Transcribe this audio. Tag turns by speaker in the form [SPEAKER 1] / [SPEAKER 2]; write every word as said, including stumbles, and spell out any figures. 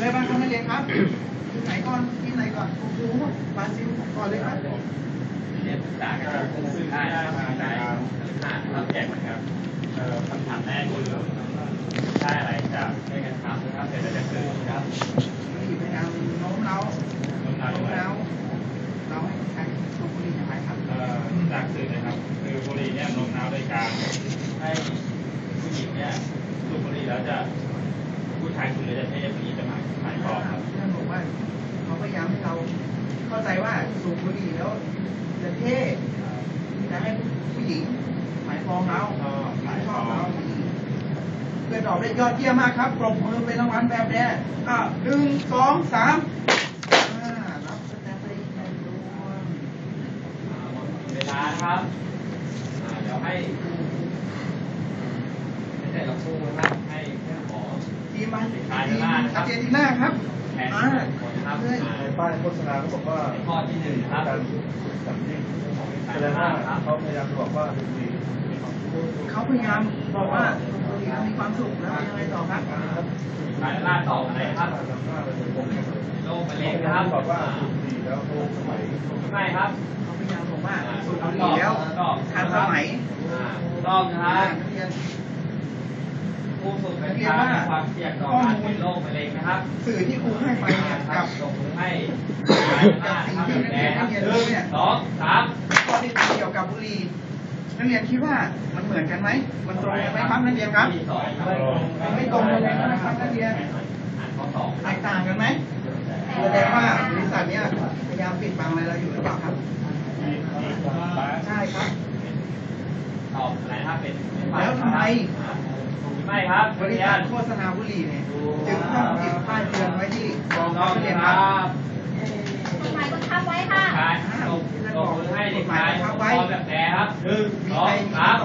[SPEAKER 1] อะไรบ้างครับนักเรียนครับทีมไหนก่อนทีมไหนก่อนโอ้โหบราซิลก่อนเลยครับ
[SPEAKER 2] เรียนศึกษาการสื่อได้มาได้อ่านรับแจกนะครับคำถามแรกคือได้อะไรจากในการทำนะครับเสร็จแล้วจะคือครับ
[SPEAKER 1] พยายามโน้มเร้าโน้มเร้าเราให้ใช้สูบบุหรี่อย่างไรครับ
[SPEAKER 2] จากสื่อนะครับคือบุหรี่เนี่ยโน้มน้าวโดยการให้ผู้หญิงเนี่ยสูบบุหรี่แล้วจะผู้ชายสูบแล้วจะเท่ผู้หญิงจะหมายหมายความครับ
[SPEAKER 1] เรื่องบอกว่าเขาพยายามให้เราเข้าใจว่าสูบบุหรี่แล้วจะเท่จะให้ผู้หญิงหมายปองเราหมายปองเราเพื่อตอบได้ยอดเยี่ยมมากครับปรบมือเป็นรางวัลแบบนี้อ่ะหนึ่งสองสามรับสแตมป์ไปในดวง
[SPEAKER 2] เวลาครับเดี๋ยวให้ให้แต่ละคู่นะครับให้หมอ
[SPEAKER 1] ทีมมันทีมอาเจนติน่าครับอ่าครับเลย
[SPEAKER 3] ในป้ายโฆษณาเขาบอกว่า
[SPEAKER 2] ข้อที่หนึ่งครับ
[SPEAKER 3] การจับยิ่งแสดงว่าเขาพยายามบอกว่าเป็นดี
[SPEAKER 1] เขาพยายามบอกว่ามีความสุขแล้วยังไงต่อครับ
[SPEAKER 2] สายล่าต่ออะไรครับโรคมะเร็งนะครับ
[SPEAKER 3] บอกว่าดีแล้วโรคสมัย
[SPEAKER 2] ไม่ครับ
[SPEAKER 1] เขาพยายามบอกว่าสูบบุหรี่แล้วทันสมัย
[SPEAKER 2] ต้องนะครับผู้ฝึกเป็นการมีความเสี่ยงต่อการเป็นโรคมะเร็งนะครับ
[SPEAKER 1] สื่อที่ครูให้ไปเนี่ยกับ
[SPEAKER 2] ส่งให้
[SPEAKER 1] กับสิ่งที่นักเรียนนักเรียนรู้เนี่ย
[SPEAKER 2] สองสาม
[SPEAKER 1] ข้อที่เกี่ยวกับบุหรี่นักเรียนคิดว่ามันเหมือนกันไหมมันตรงกันไหมครับนักเรียนครับไม่ตรงกันเลยนะครับนักเรียนแตกต่างกันไหมแสดงว่าบริษัทเนี้ยพยายามปิดบังอะไรเราอยู่หรือเปล่าครับใช่ครับ
[SPEAKER 2] ตอบอะไรครับเป็น
[SPEAKER 1] แล้วทำไม
[SPEAKER 2] ไม่ครับ
[SPEAKER 1] บริษัทโฆษณาบุหรี่เนี่ยจึงต้องติดป้ายเตือนไว้ที่กองนักเรียนครับ
[SPEAKER 4] กฎหมายบังคับไว้ค่ะ
[SPEAKER 2] ส่งส่งให้เด็กชายพอแบบแหนครับหนึ่งสองสาม